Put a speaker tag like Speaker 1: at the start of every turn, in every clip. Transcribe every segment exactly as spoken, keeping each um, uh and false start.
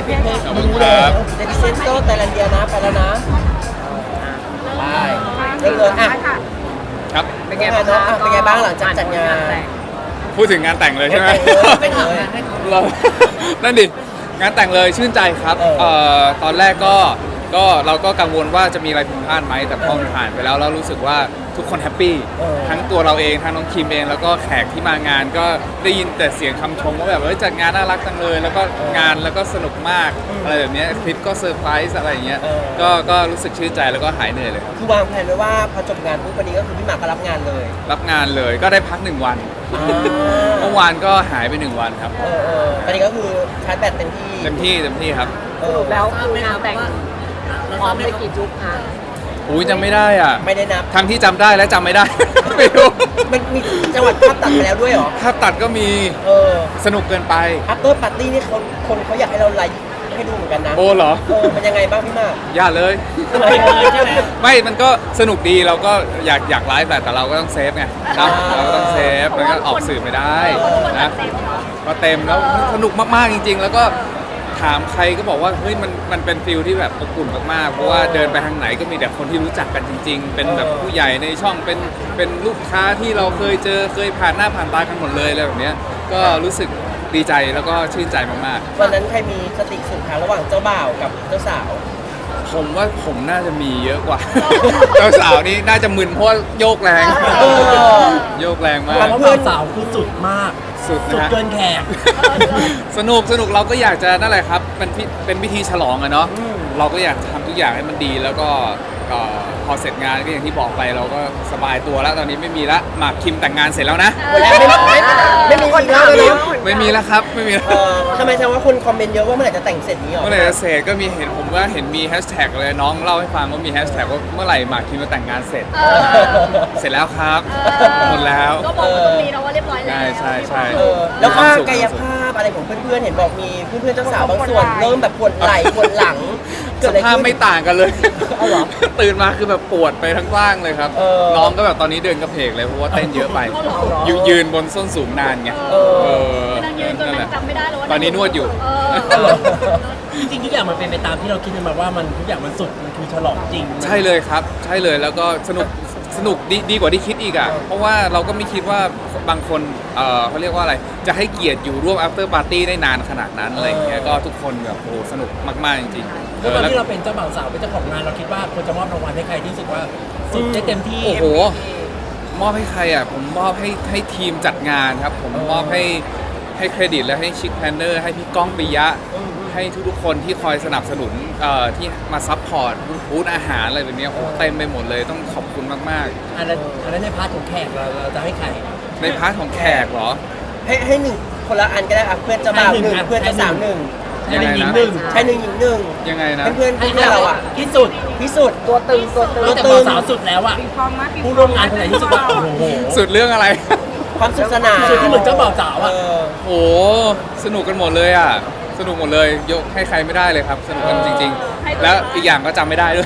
Speaker 1: พี่เทค
Speaker 2: ขอบคุณ
Speaker 1: รู้
Speaker 2: ครั
Speaker 1: แล้ว
Speaker 2: บ
Speaker 1: เดนิเซนโตไทยแลนเดียนะไปแล้วนะไปเริ่มเลยอ่ะ
Speaker 2: ครับ
Speaker 1: เป็นไงบ้างเนาะอ่ะเป็นไงบ้างหลังจากจัดงาน
Speaker 2: พูดถึงงานแต่งเลยใช่ไหม
Speaker 1: ไม่ถามเลย
Speaker 2: เรา นั่นดิงานแต่งเลยชื่นใจครับ
Speaker 1: เออ
Speaker 2: เอ่อตอนแรกก็ก็เราก็กังวลว่าจะมีอะไรผิดพลาดไหมแต่พอมันผ่านไปแล้วเรารู้สึกว่าทุกคนแฮปปี้
Speaker 1: เออ
Speaker 2: ทั้งตัวเราเองทั้งน้องคิมเองแล้วก็แขกที่มางานก็ได้ยินแต่เสียงคำชมว่าแบบเฮ้ยจัดงานน่ารักจังเลย แล้วก็งานแล้วก็สนุกมากอะไรแบบเนี้ยคลิปก็เซอร์ไพรส์อะไรอย่างเงี้ย
Speaker 1: เออ
Speaker 2: ก็ก็รู้สึกชื่นใจแล้วก็หายเหนื่อยเลยครับ
Speaker 1: คือวางแผนไว้ว่าพอจบงานปุ๊บวันนี้ก็คือพี่หมากก็รับงานเลย
Speaker 2: รับงานเลยก็ได้พักหนึ่งวัน
Speaker 1: อ่า
Speaker 2: เมื่อวานก็หายไปหนึ่งวันครับ
Speaker 1: เออเออตอนนี้ก็คือชาร์จแบตเต็มที่
Speaker 2: เต็มที่เต็มที่ครับ
Speaker 1: เออ
Speaker 3: แล้วคืองานแต่งพร้อมไปกี่จุกคะ
Speaker 2: อุ้ยจำไม่ได้อ่ะ
Speaker 1: ไม่ได้นับ
Speaker 2: ทั้งที่จำได้และจำไม่ได้ ไม่รู้
Speaker 1: มันมีจังหวัดภาพตัดไปแล้วด้วยเหรอ
Speaker 2: ถ้าตัดก็มี
Speaker 1: เออ
Speaker 2: สนุกเกินไป
Speaker 1: after party นี่เขาคนเขาอยากให้เราไลฟ์ให้ดูเหมือนกันนะ
Speaker 2: โอ้เหรอ
Speaker 1: เออมันยังไงบ้างพี่หมาก
Speaker 2: อย่าเลย
Speaker 1: ทำไมเลยใช่ไหม
Speaker 2: ไม่มันก็สนุกดีเราก็อยากอยากไลฟ์แหละแต่เราก็ต้องเซฟไงนะ
Speaker 1: อ่า
Speaker 2: เราก็ต้องเซฟมันก็ออกสื่อไม่ได้นะก็เต็มแล้วสนุกมากๆจริง ๆ แล้วก็ถามใครก็บอกว่าเฮ้ยมันมันเป็นฟิลที่แบบอบอุ่นมากๆเพราะว่าเดินไปทางไหนก็มีแต่คนที่รู้จักกันจริง ๆ เป็นแบบผู้ใหญ่ในช่องเป็นเป็นลูกค้าที่เราเคยเจอเคยผ่านหน้าผ่านตากันหมดเลยอะไรแบบเนี้ยก็รู้สึกดีใจแล้วก็ชื่นใจมากๆ
Speaker 1: วันนั้นใครมีสติสุดทางระหว่างเจ้าบ่าวกับเจ้าสาว
Speaker 2: ผมว่าผมน่าจะมีเยอะกว่า เจ้าสาวนี่น่าจะมึนเพราะว่าโยกแรง
Speaker 1: เออ
Speaker 2: โยกแรงมา
Speaker 1: ครั
Speaker 2: ก
Speaker 1: บ
Speaker 4: เพื่อนสาวคือสุดมาก
Speaker 2: สุด
Speaker 4: สุด
Speaker 2: นะฮะ
Speaker 4: เกินแขก
Speaker 2: สนุกสนุกเราก็อยากจะนั่นแหละครับเป็นพิเป็นพิธีฉลองอะเนาะเราก็อยากทำทุกอย่างให้มันดีแล้วก็ก็พอเสร็จงานก็อย่างที่บอกไปเราก็สบายตัวแล้วตอนนี้ไม่มีละหมากคิมแต่งงานเสร็จแล้วนะ
Speaker 1: หมดแล้วไม่ไม่ไม่ไม่มีอีกแล้วเลยเนาะ
Speaker 2: ไม่มีแล้วครับไม่มีแล้ว
Speaker 1: เออทำไมแสดงว่าคนคอมเมนต์เยอะว่าเมื่อไหร่จะแต่งเสร็จนี้หรอ
Speaker 2: เมื่อไหร่จะเสร็จก็มีเห็นผมว่าเห็นมีแฮชแท็กเลยน้องเล่าให้ฟังว่ามีแฮชแท็กว่าเมื่อไหร่หมากคิมจะแต่งงานเสร็จ เสร็จแล้วครับหมดแล้ว
Speaker 3: ก็บอกว่าตรงนี้นะว่าเรียบร้อยแล้ว
Speaker 2: ใช่ใช่ใช่
Speaker 1: เออแล้วค่ากายภาพอะไรของเพื่อนๆเห็นบอกมีเพื่อนๆเจ้าสาวบางส่วนเริ่มแบบปวดไหล่ปวดหลังเกิ
Speaker 2: ส
Speaker 1: ดอะไร
Speaker 2: ภาพ
Speaker 1: ขึ้น
Speaker 2: ไม่ต่างกันเลย
Speaker 1: เอาเหรอ
Speaker 2: ตื่นมาคือแบบปวดไปทั้งร่างเลยครับ
Speaker 1: เออ
Speaker 2: น้องก็แบบตอนนี้เดินกระเพกเลยเพราะว่าเต้นเยอะไปยืนยืนบนส้นสูงนานไง
Speaker 1: เออ
Speaker 2: เออ
Speaker 3: นั่งยืนจน
Speaker 2: นั่นแห
Speaker 3: นั่
Speaker 2: ละ
Speaker 3: งจำไม่ได้แล้วว่า
Speaker 2: ตอนนี้นวดอยู่
Speaker 3: เอ
Speaker 1: เอาเหร
Speaker 3: อ
Speaker 1: อ
Speaker 4: จริงๆทุกอย่างมันเป็นไปตามที่เราคิดกันมาว่ามันทุกอย่างมันสุด มันคือฉลองจริง
Speaker 2: ใช่เลยครับ ใช่เลยแล้วก็สนุกสนุกดีดีกว่าที่คิดอีกอ่ะเพราะว่าเราก็ไม่คิดว่าบางคนเออเขาเรียกว่าอะไรจะให้เกียรติอยู่ร่วม after party ได้นานขนาดนั้นอะไรอย่างเงี้ยก็ทุกคนแบบโอ้สนุกมากๆจริงๆ
Speaker 4: ด้วยความ
Speaker 2: แล้ว
Speaker 4: ที่เราเป็นเจ้าบ่าวสาวเป็นเจ้าของงานเราคิดว่าควรจะมอบรางวัลให้ใครที่รู้สึกว่าสุดได้เต็มที่
Speaker 2: โอ้โห มอบให้ใครอ่ะ ผมมอบให้ให้ทีมจัดงานครับ ผมมอบให้ให้เครดิตและให้ชิคแพนเนอร์ให้พี่ก้องปิยะ ให้ทุกๆคนที่คอยสนับสนุนเอ่อที่มาซัพพอร์ตบูธอาหารอะไรแบบเนี้ยโอ้เต็มไปหมดเลยต้องขอบคุณมาก
Speaker 4: อันนั้นอันนั้นในพาร์ทของแขกเราเราจะให้ใคร
Speaker 2: ๆ ในพาร์ทของแขกเหรอ
Speaker 1: ให้ให้หนึ่งคนละอันก็ได้อ่ะเพื่อนเจ้าบ่าวหนึ่ง
Speaker 4: ให้หนึ่ง
Speaker 1: เพื่อนเจ้าสาวหนึ่ง
Speaker 4: ให้เป็นหญิงหนึ่ง
Speaker 1: ชายหนึ่งหญิงหนึ่ง
Speaker 2: ยังไงนะ
Speaker 1: เพื่อนเพื่อน
Speaker 4: ให้
Speaker 1: เพื่อนเราอ่ะ
Speaker 4: ที่สุด
Speaker 1: พิสูจน์
Speaker 3: ตัวตึงตัวตึง
Speaker 4: ตั้งแต่บ่าวสาวสุดแล้วอ่ะผู้ร่วมงานคนไหนที่สุดว่าโอ้โห
Speaker 2: สุดเรื่องอะไร
Speaker 1: ความสุขสนาน
Speaker 4: สุดที่เหมือนเจ้าบ่าวสาว
Speaker 1: เอ
Speaker 4: อ่ะ
Speaker 1: อ
Speaker 2: โอ้สนุกกันหมดเลยอ่ะ สนุกหมดเลยยกให้ใครไม่ได้เลยครับ สนุกกันจริง ๆ แล้วอีกอย่างก็จำไม่ได้ด้วย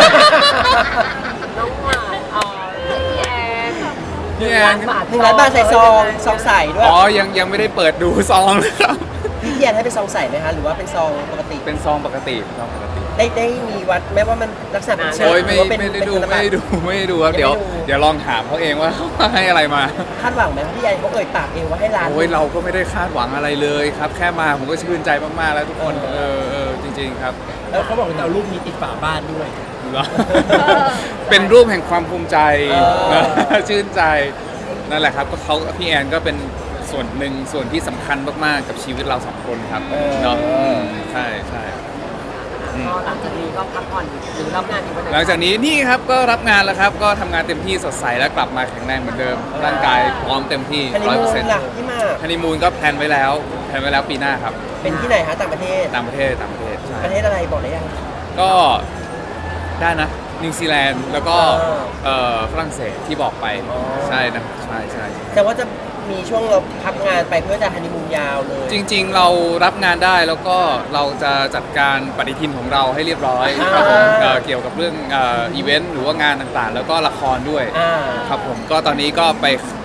Speaker 3: น้องหวานเอ่อพี่แอน
Speaker 2: พี่แอน
Speaker 1: หนึ่งล้านบาทใส่ซองซองใส่ด้วย
Speaker 2: อ๋อยังยังไม่ได้เปิดดูซองเลยครับ
Speaker 1: พี่เทียนให้เป็นซองใส่ไหมคะหรือว่าเป็นซองปกติ
Speaker 2: เป็นซองปกติเป็นซองปกติ
Speaker 1: ได้ได้มีวัดไหมว่ามันลักษณะเป็นเชิง
Speaker 2: โอ้ย
Speaker 1: ห
Speaker 2: ไม่
Speaker 1: รือว่าเป็น
Speaker 2: ไม่ได้
Speaker 1: เป็น
Speaker 2: ดู
Speaker 1: ธนบั
Speaker 2: ไม่
Speaker 1: ตร
Speaker 2: ได้ดูไม่ได้ดูครับ
Speaker 1: ยังไม่
Speaker 2: เดี๋ยว
Speaker 1: ดู
Speaker 2: เดี๋ยวลองถามเขาเองว่า เขาให้อะไรมา
Speaker 1: คาดหวังไหมพี่แอนเขาเอ่ยปากเองว่าให้ร้าน
Speaker 2: โอ้ยเราก็ไม่ได้คาดหวังอะไรเลยครับ แค่มาผมก็ชื่นใจมากๆแล้วทุกคน
Speaker 1: เอ
Speaker 2: เอ
Speaker 1: อ
Speaker 2: อเออจริง ๆ ครับ
Speaker 4: แล้วเขาบอกว่าจะเอารูปนี้ติดฝาบ้านด้วย
Speaker 2: เหรอ เป็นรูปแห่งความภูมิใจ
Speaker 1: เออ
Speaker 2: นะชื่นใจนั่นแหละครับก็เขาพี่แอนก็เป็นส่วนหนึ่งส่วนที่สำคัญมากๆกับชีวิตเราสองคนครับเนาะอืมใช่ใช่อืม
Speaker 3: ก็หลังจากนี้ก็พักผ่อนหรือรับงานอีกวันไหน
Speaker 2: หลังจากนี้นี่ครับก็รับงานแล้วครับก็ทำงานเต็มที่สดใสและกลับมาแข็งแรงเหมือนเดิม ร่างกายพร้อมเต็มที่
Speaker 1: ฮันนี
Speaker 2: ร้อย
Speaker 1: มู
Speaker 2: เปอร์เซ็น
Speaker 1: น
Speaker 2: ต์
Speaker 1: ล่ะพี่มาก
Speaker 2: ฮันนีมูนก็แพลนไว้แล้วแพลนไว้แล้วปีหน้าครับ
Speaker 1: เป็นที่ไหนคะต่างประเทศ
Speaker 2: ต่างประเทศต่างประเทศใช่
Speaker 1: ประเทศอะไรบอกได้ยัง
Speaker 2: ก็ได้นะนิวซีแลนด์แล้วก็
Speaker 1: อ่า
Speaker 2: เอ่อฝรั่งเศสที่บอกไป
Speaker 1: อ๋อ
Speaker 2: ใช่นะใช่ใช่
Speaker 1: แต่ว่าจะมีช่วงเราพักงานไปเพื่อจะฮันนีมูนยาวเลย
Speaker 2: จริงๆ เรารับงานได้แล้วก็เราจะจัดการปฏิทินของเราให้เรียบร้อยครับผมเอ่อเกี่ยวกับเรื่องเอ่ออีเวนต์หรือว่างานต่างๆ แล้วก็ละครด้วย
Speaker 1: อ่า
Speaker 2: ครับผมก็ตอนนี้ก็ไป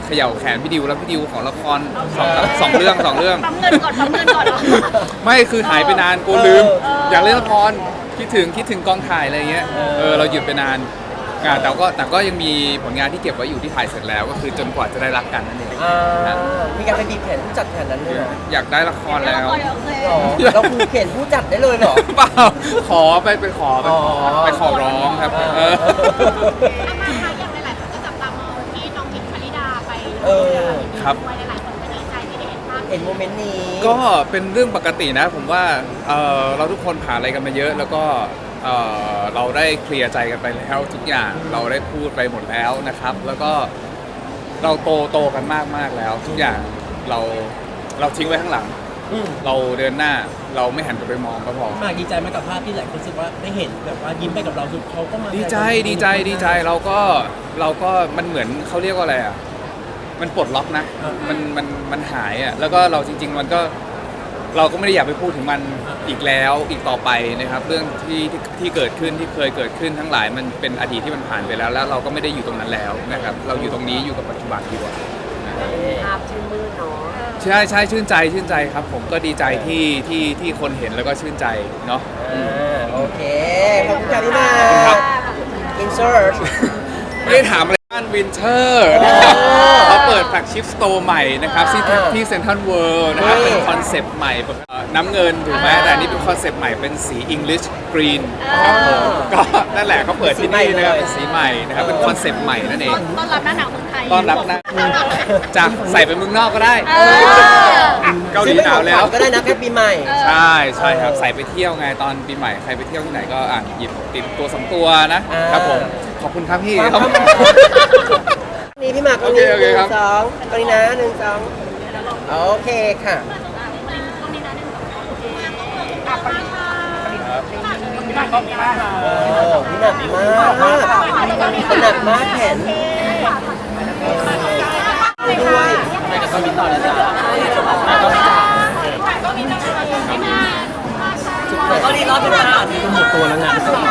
Speaker 2: เขย่าแขนพี่ดิวแล้วพี่ดิวของละครสองสองเรื่องสองเรื่อง
Speaker 3: ปั๊มเงินก่อนปั๊มเงินก่อนเหรอ
Speaker 2: ไม่คือหายไปนานกูลืม อยากเล่นละครคิดถึงคิดถึงกองถ่ายอะไรเงี้ยเออเราหยุดไปนานอ่าแต่ก็แต่ก็ยังมีผลงานที่เก็บไว้อยู่ที่ถ่ายเสร็จแล้ว ก็คือจนกว่าจะได้รักกันนั่นเอง
Speaker 1: อ่ามีการไปบีบแขนผู้จัดแขนนั้นเลยเหรอ
Speaker 2: อยากได้ละครแล้ว
Speaker 3: โอเค
Speaker 1: หรอเราคูเข็นผู้จัดได้เลยเหรอ
Speaker 2: เปล่าขอไปไปขอไปขอ
Speaker 1: อ๋อ
Speaker 2: ไปขอร้องครับ
Speaker 1: อ่า
Speaker 2: เออ
Speaker 3: อามาคะอย่างหลายๆคนก็จับตามองที่น้องหญิงชลิดาไป
Speaker 1: เออ
Speaker 2: ครับ
Speaker 3: ด้วยหลายๆคนก็ดีใจที่ได้เห็นภาพ
Speaker 1: เห็นโมเมนต์นี้
Speaker 2: ก็เป็นเรื่องปกตินะ ผมว่าเอ่อเราทุกคนผ่านอะไรกันมาเยอะ แล้วก็เอ่อเราได้เคลียร์ใจกันไปแล้วทุกอย่างเราได้พูดไปหมดแล้วนะครับ แล้วก็เราโตโตกันมากมากแล้ว ทุกอย่างเราเราทิ้งไว้ข้างหลัง
Speaker 1: อืม
Speaker 2: เราเดินหน้าเราไม่หันกลับไปมองก็พอ
Speaker 4: หมากดีใจไหมกับภาพที่หลายคนรู้สึกว่าได้เห็นแบบว่ายิ้มไปกับเราคือเขาก็มา
Speaker 2: ดีใจดีใจดีใจเราก็เราก็มันเหมือนเขาเรียกว่าอะไรอ่ะมันปลดล็อกนะมันมันมันหายอ่ะแล้วก็เราจริง ๆ มันก็เราก็ไม่ได้อยากไปพูดถึงมันอีกแล้วอีกต่อไปนะครับ เรื่องที่ที่ที่เกิดขึ้นที่เคยเกิดขึ้นทั้งหลายมันเป็นอดีตที่มันผ่านไปแล้ว แล้วเราก็ไม่ได้อยู่ตรงนั้นแล้วนะครับ เราอยู่ตรงนี้อยู่กับปัจจุบันดีกว่า
Speaker 3: ภาพชื่นมืดเนาะ
Speaker 2: ใช่ใช่ชื่นใจชื่นใจครับ ผมก็ดีใจที่ที่ที่คนเห็นแล้วก็ชื่นใจเนาะ
Speaker 1: อ่าโอเค ขอบคุณค่ะพี่มา
Speaker 2: ขอบคุณครับ
Speaker 1: อินเสิร์ต
Speaker 2: ไม่ได้ถามอะไรบ้านวินเทอร์นะครับเขาเปิดแฟลกชิพสโตร์ใหม่นะครับที่
Speaker 1: อ่า
Speaker 2: ที่เซ็นทรัลเวิลด์นะครับ
Speaker 1: นี่
Speaker 2: เป็นคอนเซปต์ใหม่แบบเอ่อน้ำเงินถูกไหมแต่อันนี้เป็นคอนเซปต์ใหม่เป็นสี English Green นะครับผมก็นั่นแหละเขาเปิดที่นี่นะครับเป็นสีใหม่นะครับเป็นคอนเซปต์ใหม่นั่นเอง
Speaker 3: ต้อนรับหน้าหนาวเมืองไทย
Speaker 2: ต้อนรับนะจากใส่ไปเมืองนอกก็ได้
Speaker 3: เออ
Speaker 2: เกาหลีหนาวแล้ว
Speaker 1: ก็ได้นะแค่ปีใหม่
Speaker 2: ใช่ใช่ครับใส่ไปเที่ยวไงตอนปีใหม่ใครไปเที่ยวที่ไหนก็อ่ะหยิบติดตัวสองตัวนะ
Speaker 1: อ่า
Speaker 2: ครับผมขอบคุณครับพี่
Speaker 1: ครับ นี่พี่หมากก็
Speaker 2: โอ
Speaker 1: ห
Speaker 2: เค
Speaker 1: นึ่ง
Speaker 2: โอเคครับ
Speaker 1: สองตรงนี้นะหนึ่งสองโอเคค่ะ โอ้พี่หนักมากมากหนักมากแขนด้วย
Speaker 4: ไปกับเขาบินต่อเลยจ้ะ
Speaker 1: ก็ดีรอบเป็นหน้า
Speaker 4: ก็หมดตัวแล้วไง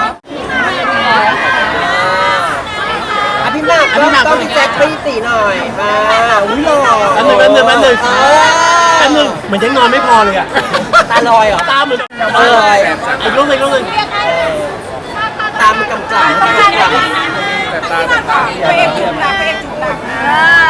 Speaker 1: อ่ะพี่หมากก็ต้องพี่แจ็คปีตีหน่อยมาอุ้ยหล่อ
Speaker 4: แป๊บนึงแป๊บนึงแป๊บนึง
Speaker 1: เอ
Speaker 4: แป๊บนึงเหมือนยังนอนไม่พอเลยอ่ะ
Speaker 1: ตาลอยเหรอ
Speaker 4: ตาเหมือน
Speaker 1: ตาลอย
Speaker 4: อีกรูปหนึ่งอีกรูปหนึ่ง
Speaker 1: ตามันกำกับ
Speaker 2: แต่ตาแต่ตา
Speaker 3: พระเอกจุดหลักพระเอกจุดหลัก